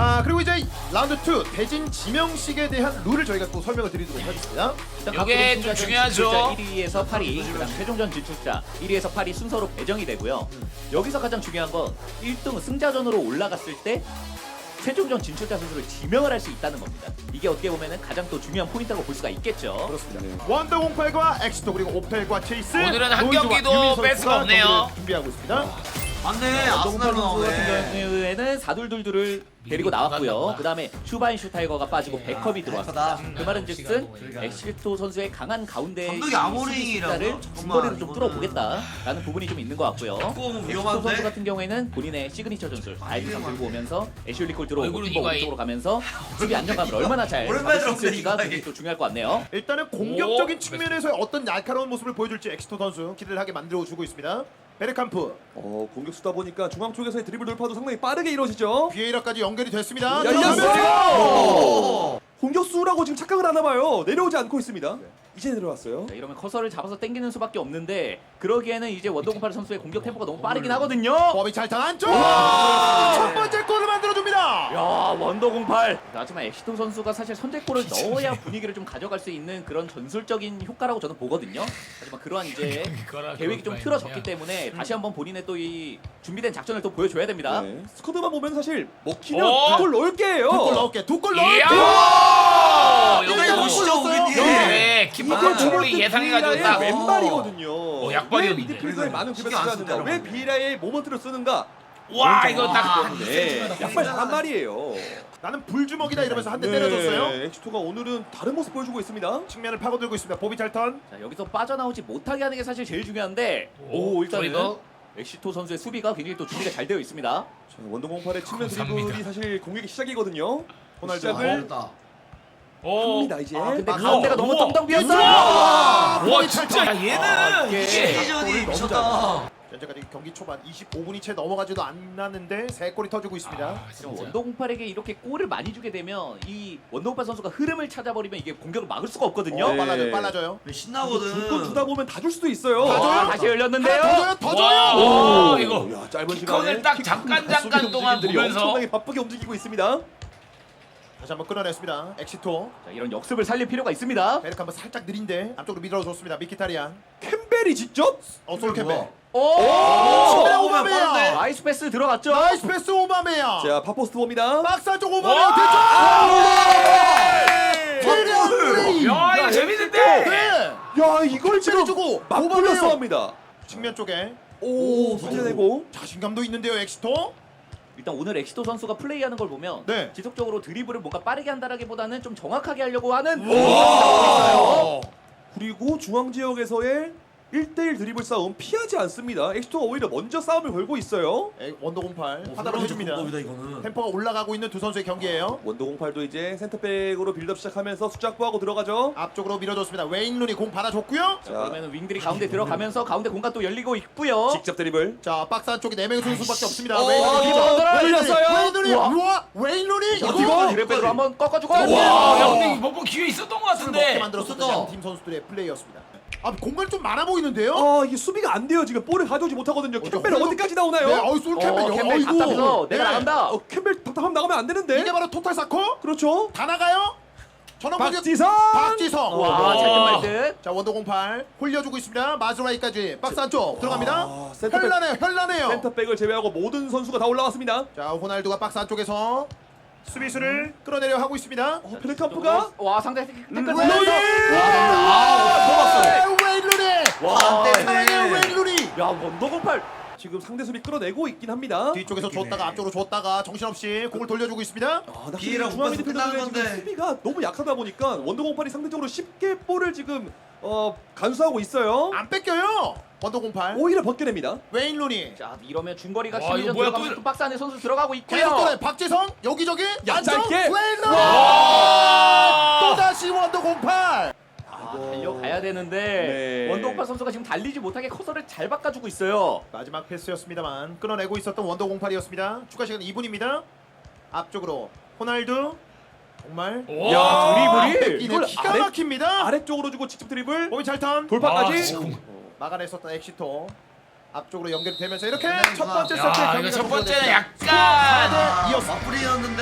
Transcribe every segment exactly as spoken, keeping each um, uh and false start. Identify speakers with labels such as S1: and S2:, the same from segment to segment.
S1: 아 그리고 이제 라운드 투 대진 지명식에 대한 룰을 저희가 또 설명을 드리도록 하겠습니다.
S2: 이게 좀 중요하죠.
S3: 일 위에서 팔 위, 그다음 최종전 진출자 일 위에서 팔 위 순서로 배정이 되고요.
S1: 음.
S3: 여기서 가장 중요한 건 일 등 승자전으로 올라갔을 때 최종전 진출자 선수를 지명을 할 수 있다는 겁니다. 이게 어떻게 보면은 가장 또 중요한 포인트라고 볼 수가 있겠죠.
S1: 그렇습니다. 네. 원더공팔과 엑시토 그리고 옵텔과 체이스
S2: 오늘은 한
S1: 노이즈와
S2: 경기도
S1: 유민 선수가
S2: 뺄 수가 없네요.
S1: 경기를 준비하고 있습니다.
S4: 맞네.
S3: 원더공팔
S4: 아스날로
S3: 선수 같은
S4: 나오네.
S3: 경우에는 사둘둘둘을 데리고 나왔고요. 그 다음에 슈바인 슈타이거가 빠지고 백컵이 들어왔습니다.
S4: 백커다.
S3: 그 말은즉슨 엑시토 선수의 강한 가운데
S4: 감독이 아모링이라고?
S3: 숫자를
S4: 잠깐만,
S3: 중거리로 좀
S4: 이거는-
S3: 뚫어보겠다라는 부분이 좀 있는 것 같고요.
S4: 조금
S3: 엑시토
S4: 위험한데?
S3: 선수 같은 경우에는 본인의 시그니처 전술 다이빙상 들고 오면서 애슐리 콜 들어오고
S2: 얼굴은
S3: 팀버
S2: 이거에-
S3: 오른쪽으로 가면서 수비 안정감을 얼마나 잘
S4: 오랜만에
S3: 잡을 수
S4: 들었네,
S3: 있을지가
S4: 이거에.
S3: 굉장히 또 중요할 것 같네요.
S1: 일단은 공격적인 측면에서의 어떤 날카로운 모습을 보여줄지 엑시토 선수 기대를 하게 만들어주고 있습니다. 베르캄프
S5: 어, 공격 수다 보니까 중앙 쪽에서의 드리블 돌파도 상당히 빠르게 이루어지죠.
S1: 비에이라까지 연결이 됐습니다.
S5: 열렸어요. 공격수라고 지금 착각을 하나 봐요. 내려오지 않고 있습니다. 이제 내려왔어요.
S3: 자, 이러면 커서를 잡아서 당기는 수밖에 없는데 그러기에는 이제 원더공팔 선수의 공격 템포가 너무 빠르긴 하거든요.
S1: 법이 잘 탄 안쪽 첫 번째 골을 만들어줍니다.
S3: 야 원더공팔. 하지만 엑시토 선수가 사실 선제골을 넣어야 분위기를 좀 가져갈 수 있는 그런 전술적인 효과라고 저는 보거든요. 하지만 그러한 이제 계획이 좀 틀어졌기 때문에 다시 한번 본인의 또 이 준비된 작전을 또 보여줘야 됩니다.
S5: 네. 스쿼드만 보면 사실 먹히면
S2: 어?
S5: 골 넣을 게예요.
S1: 두 골 넣을게 두 골 넣을게.
S2: 이야!
S4: 여기
S1: 이거
S4: 보시죠,
S1: 보셨어요?
S4: 우기님.
S2: 네, 키퍼 컨트롤이
S5: 비에라의
S2: 예상해가지고 딱.
S5: 왼발이거든요.
S2: 어, 약발이었는데.
S5: 왜 미드필더에 많은
S4: 신경
S5: 구매를
S4: 안
S5: 하는가?
S4: 썼다는
S5: 왜
S4: 건데.
S5: 비에라의 모먼트를 쓰는가?
S2: 와 이거 딱.
S5: 네. 약발 잘한 말이에요.
S1: 나는 불주먹이다 이러면서 한 대 때려줬어요.
S5: 네, 엑시토가 오늘은 다른 모습 보여주고 있습니다.
S1: 측면을 파고들고 있습니다. 보비 잘턴.
S3: 자 여기서 빠져나오지 못하게 하는 게 사실 제일 중요한데
S2: 오,
S3: 오 일단은
S2: 저희가?
S3: 엑시토 선수의 수비가 굉장히 또 준비가 잘 되어 있습니다.
S5: 자, 원더공팔의 측면
S2: 감사합니다.
S5: 드리블이 사실 공격의 시작이거든요.
S1: 호날두.
S5: 시작을
S4: 잘했다.
S2: 오.
S5: 합니다 이제.
S3: 아 근데
S1: 아,
S3: 가운데가
S1: 우와.
S3: 너무 텅텅 비었어요.
S2: 와 진짜 야, 얘는
S3: 이게
S4: 시즌이 미쳤다.
S1: 현재까지 경기 초반 이십오 분이 채 넘어가지도 않았는데 세 골이 터지고 있습니다.
S2: 아,
S3: 지금
S2: 진짜.
S3: 원더공팔에게 이렇게 골을 많이 주게 되면 이 원더공팔 선수가 흐름을 찾아버리면 이게 공격을 막을 수가 없거든요.
S1: 어,
S5: 네.
S1: 빨라져요, 빨라져요.
S4: 신나거든.
S5: 줄건 주다 보면 다 줄 수도 있어요.
S1: 다 줘요?
S3: 아, 다시 열렸는데요.
S1: 더 줘요, 더
S2: 와,
S1: 줘요.
S2: 와,
S5: 오,
S2: 이거
S5: 야, 짧은
S2: 킥커를
S5: 시간에
S2: 딱
S5: 킥
S2: 잠깐,
S5: 수비
S2: 잠깐 동안
S5: 움직임들이
S2: 보면서.
S5: 엄청나게 바쁘게 움직이고 있습니다.
S1: 다시 한번 끌어냈습니다. 엑시토.
S3: 자, 이런 역습을 살릴 필요가 있습니다.
S1: 베르크 한번 살짝 느린데 앞쪽으로 밀어줬습니다. 미키타리안.
S5: 캠벨이 직접
S1: 어, 솔캠벨.
S3: 오!
S1: 오메야,
S4: 오,
S1: 오바메야.
S4: 빠른데?
S3: 나이스 패스 들어갔죠.
S1: 나이스 패스 오바메야.
S5: 자 파포스트 봅니다.
S1: 박스 안쪽
S2: 와!
S1: 오바메야 대쪽. 플레이.
S2: 야 이거 재밌는데.
S1: 네.
S5: 야 이걸 지금
S1: 주고
S5: 맞불렸어 합니다.
S1: 측면 쪽에
S5: 오 문제내고
S1: 자신감도 있는데요, 엑시토.
S3: 일단 오늘 엑시토 선수가 플레이하는 걸 보면
S1: 네.
S3: 지속적으로 드리블을 뭔가 빠르게 한다라기보다는 좀 정확하게 하려고 하는
S1: 와.
S5: 그리고 중앙 지역에서의 일 대일 드리블 싸움 피하지 않습니다. 엑시토가 오히려 먼저 싸움을 걸고 있어요.
S1: 에, 원더공팔
S4: 어,
S1: 하다로 해줍니다.
S4: 공법이다 이거는.
S1: 템포가 올라가고 있는 두 선수의 경기예요.
S5: 원더공팔도 이제 센터백으로 빌드업 시작하면서 숫자 확보하고 들어가죠.
S1: 앞쪽으로 밀어줬습니다. 웨인 루니 공 받아줬고요.
S3: 자, 그러면 윙들이 가운데 들어가면서 가운데 공간 또 열리고 있고요.
S5: 직접 드리블.
S1: 자, 박스 안쪽에 네 명의 선수밖에 없습니다.
S5: 어,
S1: 웨인 루니
S5: 어,
S1: 기본. 웨인 루니,
S5: 올렸어요.
S1: 웨인 루니.
S3: 우와.
S1: 우와, 웨인 루니.
S3: 이거
S1: 이거
S3: 드리블로 한번 꺾어주고.
S2: 와, 야
S1: 와.
S2: 근데 이번 기회 있었던 것
S1: 술을 먹게
S2: 같은데.
S1: 만들었었던
S4: 좋다.
S1: 양팀 선수들의 플레이였습니다. 아, 공간이 좀 많아 보이는데요?
S5: 아 이게 수비가 안 돼요. 지금 볼을 가져오지 못하거든요. 캠벨
S1: 홀로-
S5: 어디까지 나오나요?
S1: 네, 어이 솔 캠벨.
S3: 어, 캠벨 답답해서 내가 나간다.
S5: 어, 캠벨 답답하면 나가면 안 되는데.
S1: 이게 바로 토탈 사커?
S5: 그렇죠.
S1: 다 나가요? 전원 공격.
S5: 박지성.
S1: 박지성.
S3: 와, 잘된 말듯.
S1: 자, 원더공팔 홀려주고 있습니다. 마즈라이까지 박스 안쪽 들어갑니다.
S5: 아, 센터백.
S1: 현란해요, 현란해요.
S5: 센터백을 제외하고 모든 선수가 다 올라왔습니다.
S1: 자, 호날두가 박스 안쪽에서 수비수를 끌어내려 하고 있습니다.
S5: 어, 페르캄프가
S3: 와 상대 태클
S1: 웨인!
S4: 아,
S1: 네, 웨인 루니!
S3: 와,
S1: 사랑해요, 웨인 루니!
S3: 야 원더공팔.
S5: 지금 상대 수비 끌어내고 있긴 합니다.
S1: 뒤쪽에서 줬다가 앞쪽으로 줬다가 정신없이 공을 돌려주고 있습니다.
S5: 아, 나
S4: 비에라
S5: 중앙
S4: 못 봐서
S5: 미드필더들의
S4: 끝나는
S5: 지금
S4: 건데.
S5: 수비가 너무 약하다 보니까 원더공팔이 상대적으로 쉽게 볼을 지금 어, 간수하고 있어요.
S1: 안 뺏겨요. 원더공팔.
S5: 오히려 벗겨냅니다.
S1: 웨인 루니.
S3: 자 이러면 중거리가
S2: 와,
S3: 심리전
S2: 이거 뭐야,
S3: 들어가면서
S2: 또-
S3: 또 박스 안에 선수 들어가고
S1: 계속 돌아요.
S3: 있고요.
S1: 박지성 여기저기
S5: 야,
S1: 안정.
S5: 짧게.
S1: 웨인 루니.
S2: 와!
S1: 또 다시 원더공팔.
S3: 아, 달려가야 되는데
S5: 네.
S3: 원더공팔 선수가 지금 달리지 못하게 커서를 잘 바꿔주고 있어요.
S1: 마지막 패스였습니다만 끊어내고 있었던 원더공팔이었습니다. 추가 시간 이 분입니다. 앞쪽으로 호날두. 정말
S2: 와.
S3: 야 드리블이
S1: 뺏기는
S5: 이걸
S1: 기가
S5: 아래-
S1: 막힙니다.
S5: 아래쪽으로 주고 직접 드리블.
S1: 몸이 잘탄
S2: 아,
S5: 돌파까지.
S2: 진짜.
S1: 막아냈었던 엑시토 앞쪽으로 연결되면서 이렇게
S4: 네,
S1: 첫 번째
S4: 야,
S1: 세트
S2: 야
S1: 경기가
S2: 이거 첫
S1: 종료됩니다.
S2: 번째는 약간
S1: 사 대 이였습니다.
S4: 맞불이었는데.
S2: 아,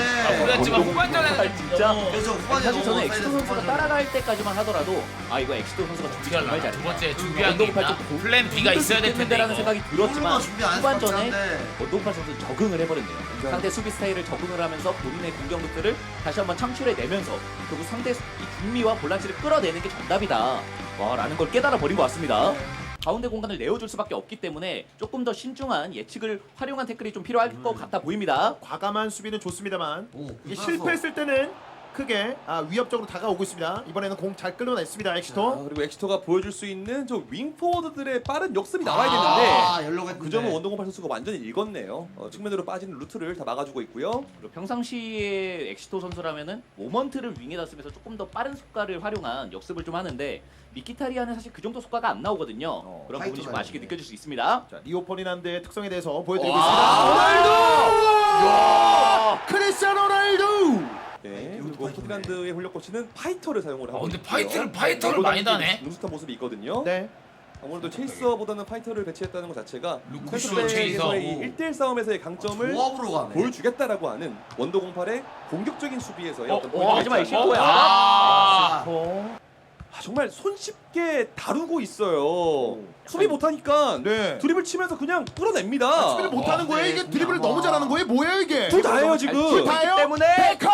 S2: 보였지만
S3: 원동
S2: 후반전에는
S3: 공팔 진짜
S4: 그래서 후반에
S3: 사실 저는
S4: 너무
S3: 엑시토
S4: 사이드에서
S3: 선수가
S4: 후반전에
S3: 따라갈 때까지만 하더라도 아 이거 엑시토 선수가 준비
S2: 어떻게
S3: 정말
S2: 하려나?
S3: 잘했다.
S2: 두 번째 준비한 게
S3: 원동팔
S2: 있나?
S3: 좀 고-
S2: 플랜 B가 있어야 될 텐데
S3: 라는
S2: 이거.
S3: 생각이 들었지만
S4: 골로만 준비 안 했을 것
S3: 후반전에
S4: 같긴 한데.
S3: 원동팔 선수 적응을 해버렸네요. 상대 수비 스타일을 적응을 하면서 본인의 공격 루트를 다시 한번 창출해내면서 결국 상대 수- 이 중미와 볼란치를 끌어내는 게 정답이다. 와 라는 걸 깨달아 버린 것 같습니다. 가운데 공간을 내어줄 수밖에 없기 때문에 조금 더 신중한 예측을 활용한 태클이 좀 필요할 것 같아 보입니다.
S1: 과감한 수비는 좋습니다만
S4: 오,
S1: 이게
S4: 끝났어.
S1: 실패했을 때는 크게 아, 위협적으로 다가오고 있습니다. 이번에는 공 잘 끌어냈습니다.
S5: 아,
S1: 엑시토.
S5: 그리고 엑시토가 보여줄 수 있는 저 윙포워드들의 빠른 역습이 나와야
S4: 아,
S5: 되는데
S4: 연로가 했는데.
S5: 그 점은 원동공팔 선수가 완전히 읽었네요. 어, 측면으로 빠지는 루트를 다 막아주고 있고요.
S3: 그리고 평상시에 엑시토 선수라면은 모먼트를 윙에다 쓰면서 조금 더 빠른 속가를 활용한 역습을 좀 하는데 미키타리아는 사실 그 정도 속가가 안 나오거든요.
S1: 어,
S3: 그런 부분이 좀
S4: 파이터가
S3: 아쉽게
S4: 있네.
S3: 느껴질 수 있습니다.
S1: 자, 리오 퍼디난드의 특성에 대해서 보여드리고
S3: 와.
S1: 있습니다. 크리스티아노 로날두.
S5: 네.
S4: 이것도
S5: 그리고
S4: 파이터네.
S5: 포트란드의 훈련 코치는 파이터를 사용을
S2: 아,
S5: 하고
S2: 근데
S5: 있고요.
S2: 파이터를 파이터를 많이 다네.
S5: 능숙한 모습이 있거든요.
S1: 네.
S5: 아무래도 체이서보다는 파이터를 배치했다는 것 자체가
S2: 루크쇼,
S5: 펜스백에서의
S2: 체이서.
S5: 이 일 대 일 싸움에서의 강점을
S4: 조합으로 가네.
S5: 보여주겠다라고 하는 원더공팔의 공격적인 수비에서의
S2: 어,
S5: 어떤
S2: 어,
S5: 포인트를
S3: 하지만
S5: 엑시토가
S3: 엑시토야.
S2: 아.
S5: 아, 정말 손쉽게 다루고 있어요. 수비 못하니까
S1: 네.
S5: 드립을 치면서 그냥 끌어냅니다.
S1: 아, 수비를 못하는 거예요? 이게 드리블을 너무 잘하는 거예요? 뭐예요 이게?
S5: 둘 다예요 지금.
S1: 둘 다예요?
S3: 때문에
S1: 베커!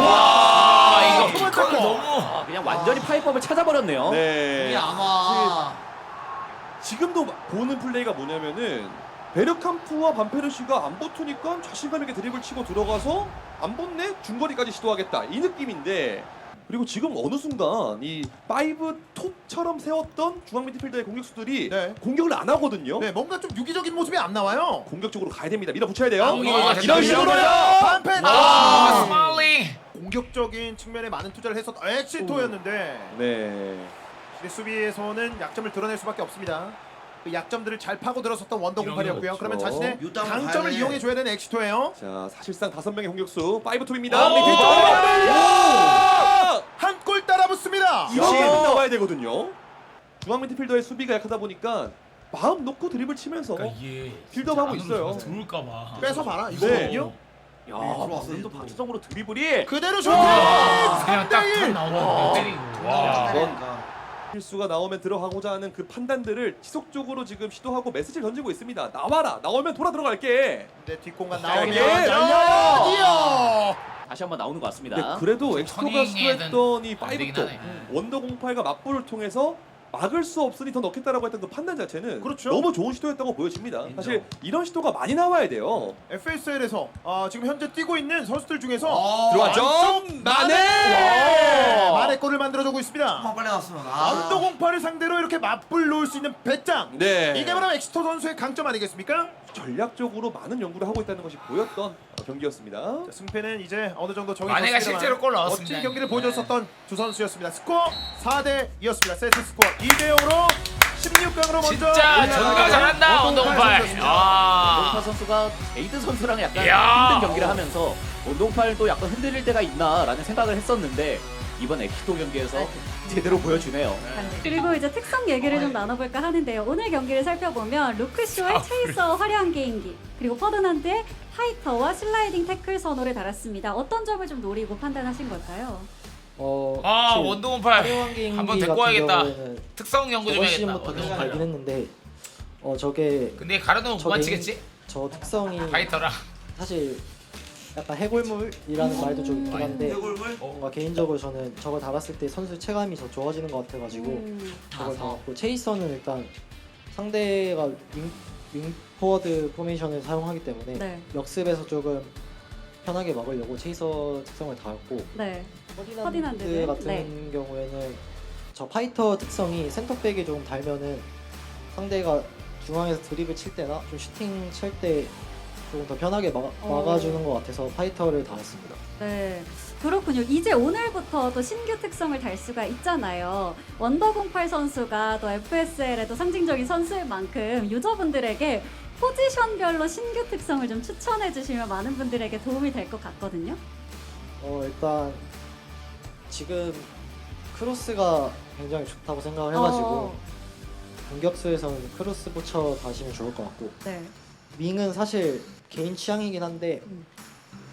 S2: 아 이거
S1: 두 번째
S2: 피커를
S1: 거.
S2: 너무
S3: 아, 그냥 완전히 파이법을 찾아버렸네요.
S5: 네.
S4: 이게 아마
S5: 지금도 보는 플레이가 뭐냐면은 베르캄프와 반페르시가 안 붙으니까 자신감 있게 드립을 치고 들어가서 안 붙네 중거리까지 시도하겠다 이 느낌인데 그리고 지금 어느 순간 이 파이브 톱처럼 세웠던 중앙 미드필더의 공격수들이
S1: 네.
S5: 공격을 안 하거든요.
S1: 네, 뭔가 좀 유기적인 모습이 안 나와요.
S5: 공격적으로 가야 됩니다. 밀어붙여야 돼요.
S2: 아,
S5: 이런
S2: 아,
S5: 이런
S2: 진짜
S5: 식으로요.
S1: 반패.
S2: 아
S1: 아,
S2: 스마일링.
S1: 공격적인 측면에 많은 투자를 했었던 엑시토였는데
S5: 네.
S1: 이제 수비에서는 약점을 드러낼 수밖에 없습니다. 그 약점들을 잘 파고 들었었던 원더공팔이었고요.
S5: 그렇죠.
S1: 그러면 자신의
S4: 유당을
S1: 강점을
S4: 가야 돼.
S1: 이용해 줘야 되는 엑시토예요.
S5: 자 사실상 다섯 명의 공격수 파이브 톱입니다.
S2: 오!
S5: 네, 뒤쪽으로.
S1: 한 골 따라 붙습니다.
S5: 이렇게는 나와야 되거든요. 중앙 미드필더의 수비가 약하다 보니까 마음 놓고 드립을 치면서
S2: 그러니까 이게
S5: 빌드업하고 있어요.
S2: 들어올까봐.
S1: 뺏어 봐라.
S5: 네.
S1: 이거거든요.
S3: 야,
S4: 들어왔어요,
S3: 본인도
S4: 또.
S3: 박지성으로 드리블이
S1: 그대로 슛!
S2: 그냥
S1: 삼 대
S2: 딱딱
S1: 일.
S2: 나오는 때리고. 와.
S4: 그러니까.
S5: 실수가 나오면 들어가고자 하는 그 판단들을 지속적으로 지금 시도하고 메시지를 던지고 있습니다. 나와라. 나오면 돌아 들어갈게.
S1: 네, 뒷공간
S3: 자,
S1: 나오면
S5: 예.
S1: 열려요.
S3: 다시 한번 나오는 것 같습니다.
S5: 근데 그래도 엑스토가
S2: 천이에는
S5: 시도했던 이
S2: 안 되긴
S5: 파이브톱
S2: 하네.
S5: 원더공팔과 맞불을 통해서 막을 수 없으니 더 넣겠다라고 했던 그 판단 자체는
S1: 그렇죠.
S5: 너무 좋은 시도였다고 보여집니다.
S4: 인정.
S5: 사실 이런 시도가 많이 나와야 돼요.
S1: 에프에스엘에서 아, 지금 현재 뛰고 있는 선수들 중에서
S4: 어,
S5: 들어왔죠?
S1: 안쪽
S5: 마네!
S1: 마네! 마네 골을 만들어주고 있습니다.
S4: 한번 빨리 나왔으면. 아.
S1: 원더공팔을 상대로 이렇게 맞불 놓을 수 있는 배짱.
S5: 네.
S1: 이게 바로 엑시토 선수의 강점 아니겠습니까?
S5: 전략적으로 많은 연구를 하고 있다는 것이 보였던 어, 경기였습니다.
S1: 자, 승패는 이제 어느 정도 정해졌습니다만
S2: 마네가 실제로 골 넣었습니다.
S1: 멋진 경기를 보여줬었던 두 선수였습니다. 스코어 사 대 이였습니다. 세트 스코어 이 대 영으로 십육 강으로 먼저
S2: 진짜
S1: 올라가는
S2: 전가 잘한다
S1: 원동팔
S2: 원동팔.
S1: 선수였습니다.
S2: 아.
S3: 원동팔 선수가 에이드 선수랑 약간
S2: 야.
S3: 힘든 경기를 하면서 원동팔도 약간 흔들릴 때가 있나라는 생각을 했었는데 이번 엑시토 경기에서 제대로 보여주네요.
S6: 그리고 이제 특성 얘기를 좀 나눠볼까 하는데요. 오늘 경기를 살펴보면 루크쇼의 체이서 화려한 개인기 그리고 퍼드난드의 파이터와 슬라이딩 태클 선호를 달았습니다. 어떤 점을 좀 노리고 판단하신 걸까요?
S7: 어,
S2: 아
S7: 사실
S2: 원동팔
S7: 화려한 개인기
S2: 한번 데리고
S7: 같은
S2: 와야겠다.
S7: 경우에는
S2: 특성 연구 좀
S7: 저번
S2: 해야겠다.
S7: 시즌부터 계속
S2: 원동팔.
S7: 알긴 했는데 어 저게
S2: 근데 가려놓으면
S7: 저
S2: 그만
S7: 개인-
S2: 치겠지?
S7: 저 특성이
S2: 파이터랑.
S7: 사실 약간 해골물이라는 말도 좀 있긴 한데
S4: 해골물?
S7: 뭔가 개인적으로 저는 저걸 달았을 때 선수 체감이 더 좋아지는 것 같아가지고
S6: 음,
S7: 저걸
S4: 아,
S7: 달았고 체이서는 일단 상대가 윙, 윙 포워드 포메이션을 사용하기 때문에
S6: 네,
S7: 역습에서 조금 편하게 막으려고 체이서 특성을 달았고
S6: 네,
S7: 퍼디난드
S6: 퍼디난드는?
S7: 같은
S6: 네.
S7: 경우에는 저 파이터 특성이 센터백이 조금 달면은 상대가 중앙에서 드립을 칠 때나 좀 슈팅 칠 때 조금 더 편하게 막,
S6: 어.
S7: 막아주는 것 같아서 파이터를 달았습니다.
S6: 네. 그렇군요. 이제 오늘부터 또 신규 특성을 달 수가 있잖아요. 원더공팔 선수가 또 에프에스엘에도 상징적인 선수일 만큼 유저분들에게 포지션별로 신규 특성을 좀 추천해 주시면 많은 분들에게 도움이 될 것 같거든요.
S7: 어 일단 지금 크로스가 굉장히 좋다고 생각을 해가지고
S6: 어,
S7: 공격수에서는 크로스 붙여 가시면 좋을 것 같고
S6: 네.
S7: 윙은 사실 개인 취향이긴 한데
S6: 음.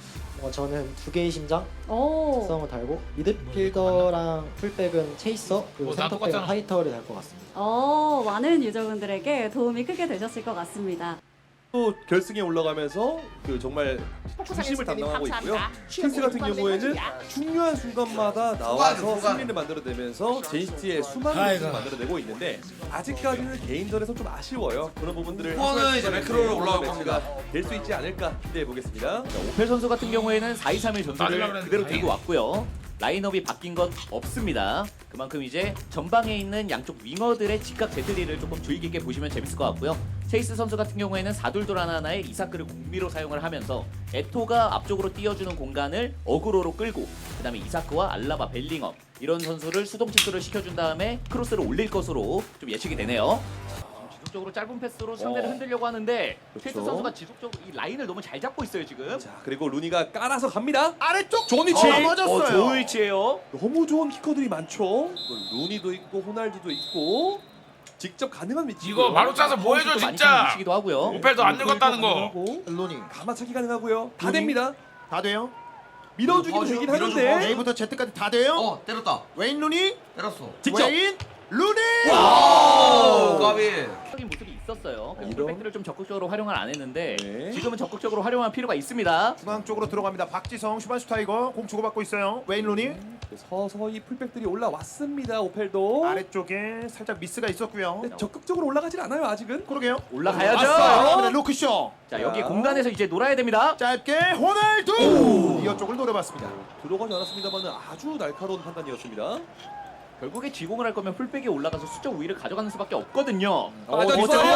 S7: 어, 저는 두 개의 심장
S6: 오.
S7: 특성을 달고 미드필더랑 풀백은 체이서 그리고
S2: 어, 나
S7: 센터백은
S2: 똑같잖아.
S7: 파이터를 달 것 같습니다.
S6: 어, 많은 유저분들에게 도움이 크게 되셨을 것 같습니다.
S5: 또 결승에 올라가면서 그 정말 중심을 담당하고 있고요. 킹스 같은 경우에는 중요한 순간마다 나와서
S4: 후반.
S5: 승리를 만들어내면서 제이스티의 수많은
S2: 아이고.
S5: 것을 만들어내고 있는데 아직까지는 개인전에서 좀 아쉬워요. 그런 부분들을
S4: 후반은 이제 매크로로 올라올
S5: 매치가 될 수 있지 않을까 기대해 보겠습니다.
S3: 오펠 선수 같은 경우에는 사 이 삼 일
S2: 따지려고
S3: 전술을
S2: 그랬는데
S3: 그대로
S2: 다행이다.
S3: 들고 왔고요. 라인업이 바뀐 것 없습니다. 그만큼 이제 전방에 있는 양쪽 윙어들의 직각 제트리를 조금 주의 깊게 보시면 재밌을 것 같고요. 체이스 선수 같은 경우에는 사둘돌 하나하나에 이사크를 공미로 사용을 하면서 에토가 앞쪽으로 띄워주는 공간을 어그로로 끌고 그 다음에 이사크와 알라바, 벨링엄 이런 선수를 수동 침투를 시켜준 다음에 크로스를 올릴 것으로 좀 예측이 되네요. 지속적으로 짧은 패스로 상대를
S5: 어.
S3: 흔들려고 하는데
S5: 그렇죠.
S3: 체이스 선수가 지속적으로 이 라인을 너무 잘 잡고 있어요 지금.
S5: 자 그리고 루니가 깔아서 갑니다.
S1: 아래쪽
S5: 좋은 위치.
S1: 어, 맞았어요.
S3: 어, 좋은 위치예요.
S5: 너무 좋은 키커들이 많죠. 루니도 있고 호날두도 있고 직접 가능한 위치.
S2: 이거 바로 짜서 뭐 해줘
S3: 많이
S2: 진짜.
S3: 위치기도 하고요.
S2: 오펠도 안 늙었다는 거.
S1: 로니
S5: 가마차기 가능하고요. 다
S1: 루니?
S5: 됩니다.
S1: 다 돼요?
S5: 밀어주기도
S4: 어,
S5: 되긴
S4: 밀어주고
S5: 하는데.
S1: A부터 Z까지 다 돼요?
S4: 어 때렸다.
S1: 웨인 루니
S4: 때렸어.
S5: 직접.
S1: 웨인 루니
S4: 오 까비.
S3: 적인 모습이 있었어요.
S5: 이런-
S3: 풀백들을 좀 적극적으로 활용을 안 했는데
S5: 네.
S3: 지금은 적극적으로 활용할 필요가 있습니다.
S1: 중앙 쪽으로 들어갑니다. 박지성 슈반슈 타이거 공 주고받고 있어요. 웨인 루니
S5: 서서히 풀백들이 올라왔습니다. 오펠도.
S1: 아래쪽에 살짝 미스가 있었고요.
S5: 근데 적극적으로 올라가질 않아요 아직은.
S1: 그러게요.
S3: 올라가야죠.
S1: 왔어요. 로크쇼
S3: 자 여기
S5: 자.
S3: 공간에서 이제 놀아야 됩니다.
S1: 짧게 호날두 이어 쪽을 노려봤습니다.
S5: 들어가지 않았습니다만 아주 날카로운 판단이었습니다.
S3: 결국에 지공을 할 거면 풀백에 올라가서 수적 우위를 가져가는 수밖에 없거든요.
S5: 어,
S1: 빠져있어요.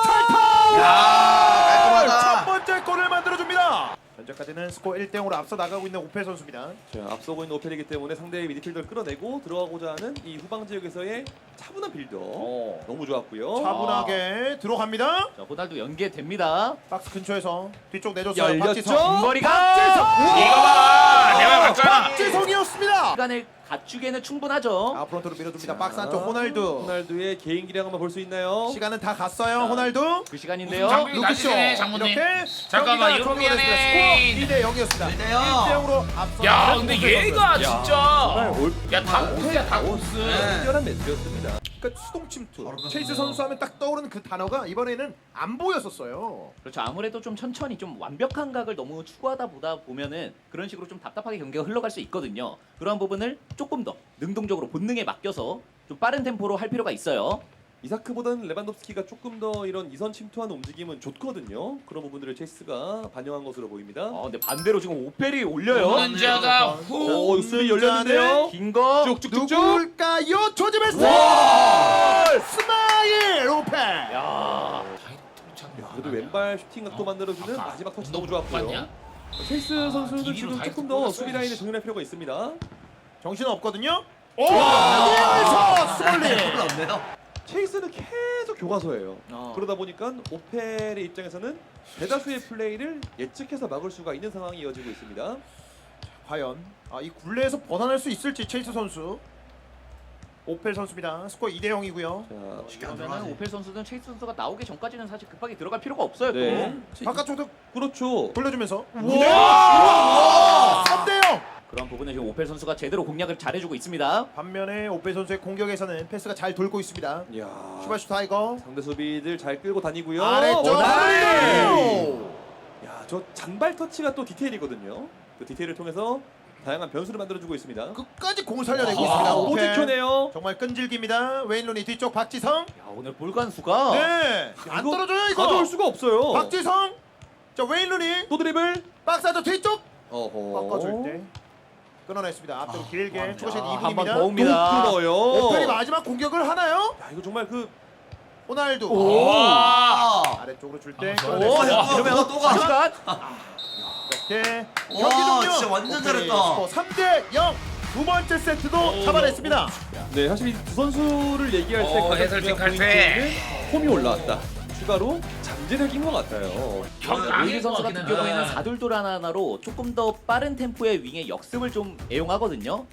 S4: 야
S1: 첫
S4: 깔끔하다.
S1: 번째 골을 만들어줍니다. 현재까지는 스코어 일 대 영으로 앞서 나가고 있는 오펠 선수입니다.
S5: 자, 앞서고 있는 오펠이기 때문에 상대의 미드필더를 끌어내고 들어가고자 하는 이 후방 지역에서의 차분한 빌더 너무 좋았고요.
S1: 차분하게 들어갑니다.
S3: 자 호날두 연계됩니다.
S1: 박스 근처에서 뒤쪽 내줬어요.
S5: 열렸죠?
S1: 박지성.
S3: 머리가
S2: 이거 봐. 내가 봤잖아.
S1: 박지성이었습니다.
S3: 시간을 갖추기에는 충분하죠.
S1: 아 프론트로 밀어줍니다.
S5: 자,
S1: 박스 안쪽 호날두.
S5: 호날두의 개인 기량 한번 볼 수 있나요?
S1: 시간은 다 갔어요. 호날두.
S3: 그 시간인데요.
S2: 장비-
S1: 루크쇼.
S2: 다시네, 장모님.
S1: 이렇게
S2: 잠깐만,
S1: 경기가
S2: 이거
S1: 종료가 됐습니다.
S2: 미안해.
S1: 스코어 이 대 영이었습니다.
S4: 일 대
S1: 일
S4: 영.
S1: 대 영으로 앞서.
S2: 야 근데 얘가
S5: 정말
S2: 진짜.
S5: 올
S2: 야다 고스야 다 고스.
S4: 네.
S5: 특별한 매치였습니다.
S1: 그러니까 수동 침투.
S4: 바로
S1: 체이스
S4: 끝났네요.
S1: 선수 하면 딱 떠오르는 그 단어가 이번에는 안 보였었어요.
S3: 그렇죠. 아무래도 좀 천천히 좀 완벽한 각을 너무 추구하다 보다 보면은 그런 식으로 좀 답답하게 경기가 흘러갈 수 있거든요. 그러한 부분을 조금 더 능동적으로 본능에 맡겨서 좀 빠른 템포로 할 필요가 있어요.
S5: 이사크보다는 레반도프스키가 조금 더 이런 이선 침투하는 움직임은 좋거든요. 그런 부분들을 체이스가 반영한 것으로 보입니다.
S3: 어, 근데 반대로 지금 오펠이 올려요.
S2: 혼자가
S5: 오,
S2: 후.
S5: 수비 열렸는데요.
S3: 긴 거.
S5: 쭉쭉쭉쭉.
S1: 누굴까요? 조지베스. 스마일 오펠.
S3: 야.
S5: 야, 그래도 왼발 슈팅 각도
S2: 어?
S5: 만들어주는
S2: 아까
S5: 마지막 터치
S2: 너
S5: 너무 좋았고요.
S2: 봤냐?
S5: 체이스
S2: 아,
S5: 선수는
S2: 디비로
S5: 지금
S2: 다
S5: 조금
S2: 했고
S5: 더
S2: 골랐어요.
S5: 수비 라인을 정렬할 필요가 있습니다.
S1: 정신 없거든요. 오! 여기서 스몰리.
S4: 골 없네요.
S5: 체이스는 계속 교과서예요.
S3: 어.
S5: 그러다 보니까 오펠의 입장에서는 대다수의 플레이를 예측해서 막을 수가 있는 상황이 이어지고 있습니다.
S1: 과연 아, 이 굴레에서 벗어날 수 있을지 체이스 선수. 오펠 선수입니다. 스코어 이 대 영이고요.
S5: 자,
S4: 쉽게 안
S3: 그러면은
S4: 들어가지.
S3: 오펠 선수는 체이스 선수가 나오기 전까지는 사실 급하게 들어갈 필요가 없어요.
S5: 네.
S3: 또.
S1: 바깥쪽도
S5: 그렇죠.
S1: 돌려주면서.
S5: 우와!
S1: 삼 대 영.
S3: 그런 부분은 지금 오펠 선수가 제대로 공략을 잘해주고 있습니다.
S1: 반면에 오펠 선수의 공격에서는 패스가 잘 돌고 있습니다.
S5: 이야.
S1: 슈바슈 타이거.
S5: 상대 수비들 잘 끌고 다니고요.
S1: 아래쪽
S5: 원하리! 야, 저 잔발 터치가 또 디테일이거든요. 그 디테일을 통해서 다양한 변수를 만들어주고 있습니다.
S1: 끝까지 공을 살려내고
S5: 아,
S1: 있습니다.
S5: 또
S1: 오펠.
S5: 지켜내요.
S1: 정말 끈질깁니다. 웨인 루니 뒤쪽 박지성.
S3: 야 오늘 볼관수가
S1: 네. 안
S5: 이거
S1: 떨어져요 이거.
S5: 가져올 수가 없어요.
S1: 박지성. 자 웨인 루니.
S5: 또 드리블.
S1: 박스 안쪽 뒤쪽.
S5: 어허.
S1: 바꿔줄 때 끊어냈습니다. 앞으로
S4: 아,
S1: 길게
S4: 와,
S1: 추가시간
S3: 야,
S1: 이
S3: 한번
S1: 분입니다.
S3: 더 옵니다.
S5: 또 끊어요.
S1: 오펠이 마지막 공격을 하나요?
S5: 야, 이거 정말 그
S1: 호날두.
S2: 와.
S4: 아.
S1: 아래쪽으로 줄 때
S2: 오,
S3: 오,
S1: 끊어냈습니다.
S3: 야, 이러면
S4: 또 가.
S3: 시간.
S1: 이렇게
S4: 와,
S1: 경기 종료.
S4: 진짜 완전
S1: 오펠이
S4: 잘했다.
S1: 스코어 삼 대 영. 두 번째 세트도 잡아냈습니다.
S5: 네, 사실 이 두 선수를 얘기할 때
S2: 어,
S5: 가장
S2: 해설팀
S5: 중요한
S2: 칼퇴.
S5: 포인트는 폼이 올라왔다. 추가로 잠재력인 것 같아요.
S3: 오일리 선수 같은 경우에는 사둘돌 하나하나로 조금 더 빠른 템포의 윙의 역습을 좀 애용하거든요.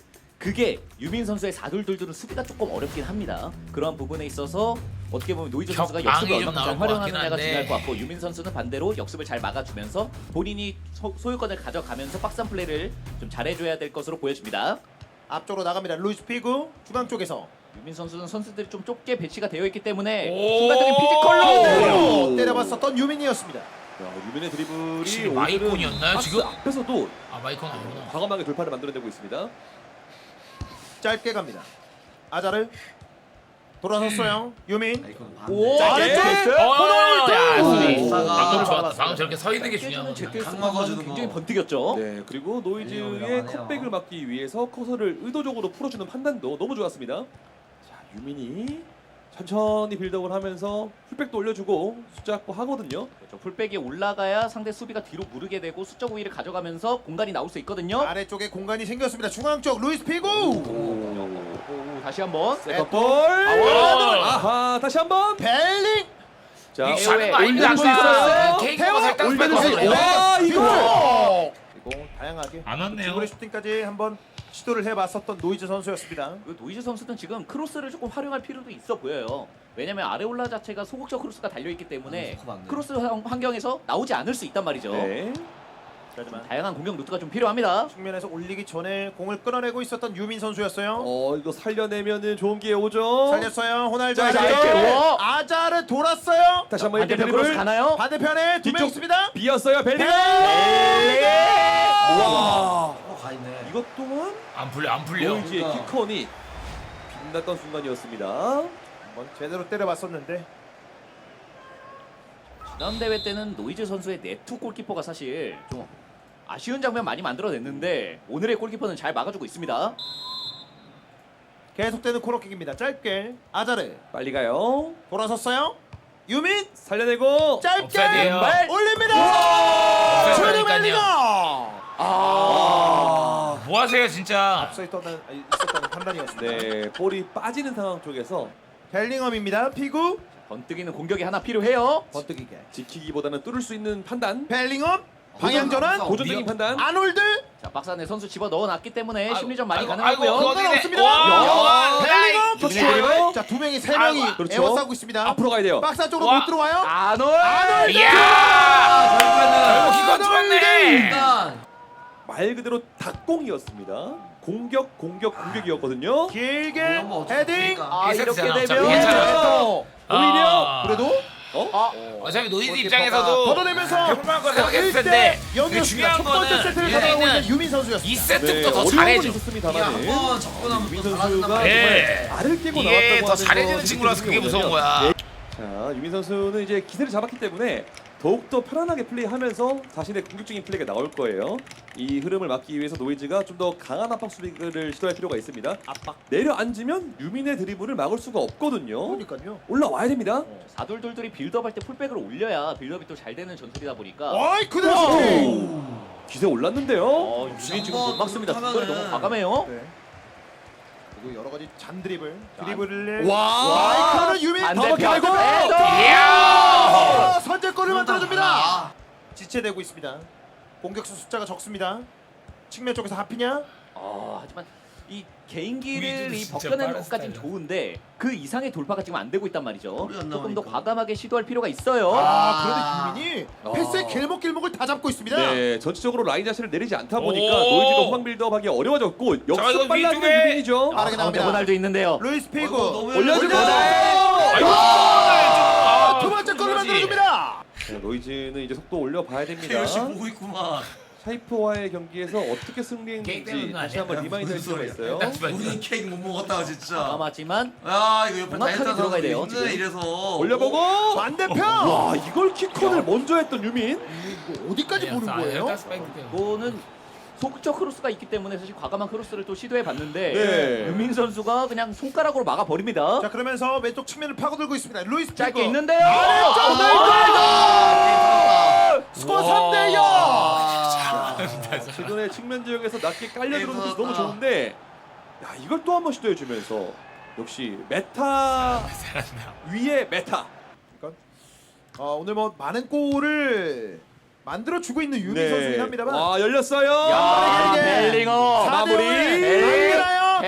S3: 그게 유민 선수의 사둘둘둘은 수비가 조금 어렵긴 합니다. 그런 부분에 있어서 어떻게 보면 노이즈 선수가
S2: 격앙이
S3: 역습을
S2: 좀
S3: 얼마큼 잘
S2: 나온 것 같긴
S3: 활용하느냐가
S2: 한데.
S3: 중요할 것 같고 유민 선수는 반대로 역습을 잘 막아주면서 본인이 소, 소유권을 가져가면서 박스한 플레이를 좀 잘해줘야 될 것으로 보여집니다.
S1: 앞쪽으로 나갑니다. 루이스 피구 중앙 쪽에서
S3: 유민 선수는 선수들이 좀 좁게 배치가 되어 있기 때문에
S2: 오.
S3: 순간적인 피지컬로
S1: 오, 때려봤었던 유민이었습니다.
S5: 야, 유민의 드리블이
S2: 혹시
S5: 오늘은
S2: 마이콘이었나요,
S5: 박스
S2: 지금?
S5: 앞에서도
S2: 아 마이콘 아니구나.
S5: 과감하게 돌파를 만들어내고 있습니다.
S1: 짧게 갑니다. 아자르 돌아섰어요. 유민
S3: 오
S1: 아래쪽!
S3: 됐어요?
S2: 어, 야, 수비.
S4: 오.
S2: 방금 좋았다. 방금 저렇게 서 있는 게
S3: 깨주는
S2: 중요한
S3: 제트
S2: 거야.
S4: 강 막아주는
S3: 굉장히
S4: 거.
S3: 번뜩였죠.
S5: 네, 그리고 노이즈의
S4: 유명하네요.
S5: 컵백을 막기 위해서 커서를 의도적으로 풀어주는 판단도 너무 좋았습니다. 자, 유민이 천천히 빌드업을 하면서 풀백도 올려주고 숫자 확보하거든요.
S3: 그렇죠. 풀백이 올라가야 상대 수비가 뒤로 무르게 되고 수적 우위를 가져가면서 공간이 나올 수 있거든요.
S1: 아래쪽에 공간이 생겼습니다. 중앙 쪽 루이스 피구.
S3: 오, 다시 한번
S5: 세컨볼.
S2: 와.
S5: 아하, 다시 한번.
S1: 벨링.
S5: 자,
S2: 이게 잘하는 거 아닙니다.
S5: 올리고 있어요.
S2: 아까 케이크가 살짝
S1: 올리는
S2: 뺏어서
S1: 수-
S2: 그래요.
S5: 와, 이거.
S1: 그리고 다양하게
S2: 안 왔네요.
S1: 드리블 슈팅까지 한번 시도를 해봤었던 노이즈 선수였습니다.
S3: 그 노이즈 선수는 지금 크로스를 조금 활용할 필요도 있어 보여요. 왜냐면 아레올라 자체가 소극적 크로스가 달려있기 때문에
S4: 아, 맞네.
S3: 크로스 환- 환경에서 나오지 않을 수 있단 말이죠.
S5: 네.
S1: 하지만
S3: 다양한 공격 루트가 좀 필요합니다.
S1: 측면에서 올리기 전에 공을 끌어내고 있었던 유민 선수였어요.
S5: 어, 이거 살려내면은 좋은 기회 오죠.
S1: 살렸어요. 호날두
S5: 자,
S1: 아자르.
S3: 이제
S1: 아자르 돌았어요.
S5: 다시 한번 이렇게
S3: 반대편 크로스
S5: 드리블.
S3: 가나요?
S1: 반대편에 두 명
S5: 뒤쪽.
S1: 있습니다.
S5: 비었어요. 벨링. 와.
S4: 어, 가 있네.
S5: 이것 또한
S2: 안 풀려 안 풀려.
S5: 노이즈의
S4: 그러니까.
S5: 키컨이 빛났던 순간이었습니다.
S1: 한번 제대로 때려봤었는데
S3: 지난 대회 때는 노이즈 선수의 네트 골키퍼가 사실 좀 아쉬운 장면 많이 만들어냈는데 오늘의 골키퍼는 잘 막아주고 있습니다.
S1: 계속되는 코너킥입니다. 짧게 아자르
S5: 빨리 가요.
S1: 돌아섰어요. 유민
S5: 살려내고.
S1: 짧게
S2: 옵사이드예요.
S1: 왼발 올립니다.
S2: 옵사이드
S1: 주루
S2: 아니까요.
S1: 벨링엄.
S5: 아.
S2: 뭐 하세요 진짜.
S1: 앞서 있었다는, 있었다는 판단이었습니다.
S5: 네, 볼이 빠지는 상황 쪽에서
S1: 벨링엄입니다. 피구
S3: 번뜩이는 공격이 하나 필요해요.
S1: 번뜩이게
S5: 지키기보다는 뚫을 수 있는 판단,
S1: 벨링엄 방향 전환
S5: 도전적인
S2: 미역-
S5: 판단.
S1: 아놀드
S3: 자 박스 안에 선수 집어 넣어놨기 때문에
S2: 아이고,
S3: 심리전 많이
S2: 아이고,
S3: 가능하고요.
S2: 아이고,
S1: 공간
S2: 어디네.
S1: 없습니다.
S2: 와,
S1: 벨링엄
S5: 유민의
S1: 터치.
S5: 드리블.
S1: 자두 명이 세 명이
S2: 아이고,
S5: 그렇죠.
S1: 에워싸고 있습니다.
S5: 앞으로 가야 돼요.
S1: 박스 쪽으로
S2: 와.
S1: 못 들어와요.
S3: 아놀!
S1: 아놀드
S2: 이야.
S4: 결국에는
S2: 결국 이거 들었네.
S4: 일단
S5: 말 그대로 닭공이었습니다. 공격, 공격, 공격이었거든요.
S1: 길게
S4: 한번 어떻게
S1: 헤딩.
S4: 됩니까?
S3: 아 이렇게
S2: 괜찮아,
S3: 되면
S2: 어차피 괜찮아.
S5: 오히려
S2: 아.
S1: 그래도
S5: 어?
S2: 어차피 노이즈
S1: 골키퍼가
S2: 입장에서도
S1: 걷어내면서
S2: 해볼만한 거 생각했을 텐데 그
S1: 여기였습니다.
S2: 중요한
S1: 첫 번째
S2: 거는
S1: 세트를 가져가고 있는
S2: 얘는
S1: 유민
S2: 이
S1: 선수였습니다.
S2: 세트부터 더
S5: 어려움은
S2: 잘해줘.
S5: 있었습니다만
S4: 한번 접근하면
S5: 유민
S4: 또
S5: 선수가
S4: 달라진단
S5: 정말
S4: 말이야.
S2: 예.
S5: 알을 깨고
S2: 이게
S5: 나왔다고
S2: 더
S5: 하는
S2: 잘해주는
S5: 거
S2: 친구라서 그게
S5: 느낌이
S2: 무서운
S5: 오거든요.
S2: 거야.
S5: 자, 유민 선수는 이제 기세를 잡았기 때문에 더욱더 편안하게 플레이하면서 자신의 공격적인 플레이가 나올 거예요. 이 흐름을 막기 위해서 노이즈가 좀 더 강한 압박 수비를 시도할 필요가 있습니다. 압박. 내려앉으면 유민의 드리블을 막을 수가 없거든요.
S1: 그러니까요.
S5: 올라와야 됩니다.
S3: 사둘둘둘이 빌드업 할 때 풀백을 올려야 빌드업이 또 잘 되는 전술이다 보니까
S1: 어이 그대로 슈팅.
S5: 기세 올랐는데요.
S3: 어, 유민 지금 못 막습니다.
S4: 하면은-
S3: 뒷거리 너무 과감해요.
S1: 네. 그리고 여러 가지 잔 드리블, 드리블을
S5: 와!
S1: 와, 이거는 유민
S3: 반대편
S1: 더블
S3: 헤더!
S2: 이야.
S1: 어, 선제골을
S4: 그건 다
S1: 만들어줍니다.
S4: 달라.
S1: 지체되고 있습니다. 공격수 숫자가 적습니다. 측면 쪽에서 하피냐?
S3: 아 하지만 이 개인기를
S2: 우리도
S3: 이
S2: 진짜
S3: 벗겨내는
S2: 빠른
S3: 것까지는
S2: 스타일이야.
S3: 좋은데 그 이상의 돌파가 지금 안 되고 있단 말이죠.
S4: 우리 안
S3: 조금 더
S4: 나오니까.
S3: 과감하게 시도할 필요가 있어요.
S1: 아,
S4: 아.
S1: 그런데 유민이
S5: 아.
S1: 패스의 길목길목을 다 잡고 있습니다.
S5: 네, 전체적으로 라인 자체를 내리지 않다 보니까
S2: 오.
S5: 노이즈가 후방 빌드업하기 어려워졌고
S2: 자, 이거
S5: 역습 빨라지는
S2: 위쪽에.
S5: 유민이죠.
S1: 빠르게
S3: 가운데
S1: 나옵니다.
S3: 호날두 있는데요.
S1: 루이스 피구
S4: 아이고, 너무
S5: 올려주고
S2: 아이고.
S1: 아, 두 번째 골을
S2: 그거지.
S1: 만들어줍니다.
S5: 네, 노이즈는 이제 속도 올려봐야 됩니다.
S4: 열심히 보고 있구만.
S5: 샤이프와의 경기에서 어떻게 승리했는지
S2: 게임
S5: 다시 한번
S2: 때문에
S5: 리마인드 할
S4: 무슨
S5: 필요가
S4: 소리야.
S5: 있어요.
S4: 우리 케이크 못 먹었다 진짜.
S3: 과감하지만
S4: 야 이거 옆에
S3: 정확하게
S4: 다이어트
S3: 들어가야 돼요,
S4: 힘내
S3: 지금.
S4: 이래서
S5: 올려보고
S1: 반대편.
S5: 와 이걸 키컨을 먼저 했던 유민.
S1: 이거 어디까지 보는 거예요?
S3: 이거는 소극적 크로스가 있기 때문에 사실 과감한 크로스를 또 시도해 봤는데
S5: 네.
S3: 유민 선수가 그냥 손가락으로 막아 버립니다.
S1: 자 그러면서 왼쪽 측면을 파고들고 있습니다. 루이스 피구
S3: 짧게 있는데요.
S1: 아래쪽
S4: 아,
S1: 스코어 삼 대 영.
S4: 아,
S5: 최근에 측면 지역에서 낮게 깔려 들어오는 모습 너무
S4: 아.
S5: 좋은데 야 이걸 또 한 번 시도해 주면서 역시 메타 위에 메타.
S1: 어, 오늘 뭐 많은 골을 만들어 주고 있는 유민 선수긴 합니다만
S5: 와 열렸어요.
S3: 야,
S1: 빠르게
S3: 벨링엄
S1: 사 대 영을
S3: 마무리.
S1: 만들어요.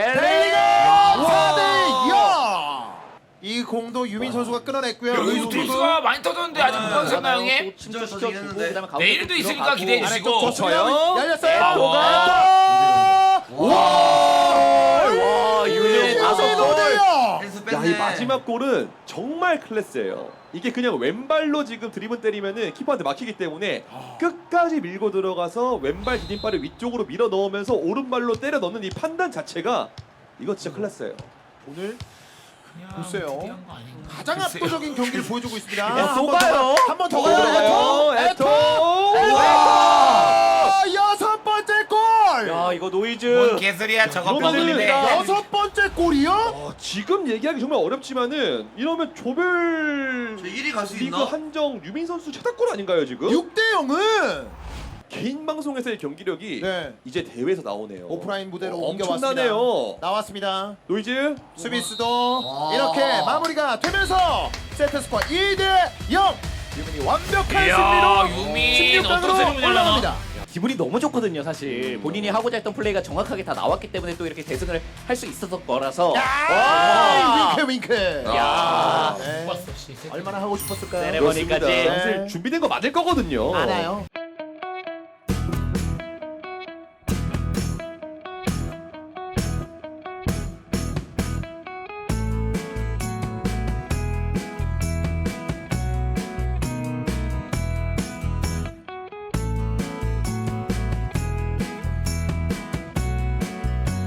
S1: 공도 유민 선수가 끊어냈고요.
S2: 여기서 투수가 많이 터졌는데 아직 못 봤었나요 형님?
S4: 진짜
S3: 침투 시켜주고
S4: 터지겠는데.
S3: 그다음에 가운데
S2: 내일도
S3: 또
S2: 있으니까
S3: 들어가고.
S2: 기대해 주시고.
S1: 아래쪽 좋습니다. 열렸어요.
S2: 와.
S1: 에토! 와!
S3: 와, 유민 다섯 골.
S4: 펜스
S5: 야,
S4: 뺐네.
S5: 이 마지막 골은 정말 클래스예요. 이게 그냥 왼발로 지금 드리븐 때리면은 키퍼한테 막히기 때문에 끝까지 밀고 들어가서 왼발 디딤발을 위쪽으로 밀어 넣으면서 오른발로 때려 넣는 이 판단 자체가 이거 진짜 클래스예요.
S1: 오늘
S2: 그냥
S1: 글쎄요.
S2: 특이한 거 아닌가.
S1: 가장
S2: 글쎄요.
S1: 압도적인 경기를 보여주고 있습니다.
S3: 야, 또 가요?
S1: 한 번 더
S5: 오,
S1: 가요. 에토!
S5: 에토!
S1: 에토! 에토! 여섯 번째 골!
S3: 야, 이거 노이즈.
S2: 뭔 개소리야 저거
S5: 이거는
S2: 뼈돌인데.
S1: 여섯 번째 골이요?
S5: 어, 지금 얘기하기 정말 어렵지만은 이러면 조별
S4: 저 일 위 갈 수
S5: 리그
S4: 있나?
S5: 한정 유민 선수 최다골 아닌가요 지금?
S1: 육 대 영은
S5: 개인 방송에서의 경기력이
S1: 네.
S5: 이제 대회에서 나오네요.
S1: 오프라인 무대로
S5: 어,
S1: 옮겨왔습니다.
S5: 엄청나네요.
S1: 나왔습니다.
S5: 노이즈
S1: 수비수도
S4: 와.
S1: 이렇게 마무리가 되면서 세트 스코어 이 대 영. 유민이 완벽한
S2: 이야,
S1: 승리로
S2: 유민
S1: 십육 강으로
S2: 어떤 승리를
S1: 올라갑니다.
S3: 기분이 너무 좋거든요, 사실. 본인이 하고자 했던 플레이가 정확하게 다 나왔기 때문에 또 이렇게 대승을 할 수 있었던 거라서.
S1: 야! 윙크 윙크.
S3: 야.
S1: 네.
S2: 봤어 씨.
S1: 얼마나 하고 싶었을까요?
S3: 세레머니까지.
S1: 그렇습니다.
S5: 사실 준비된 거 맞을 거거든요.
S1: 많아요.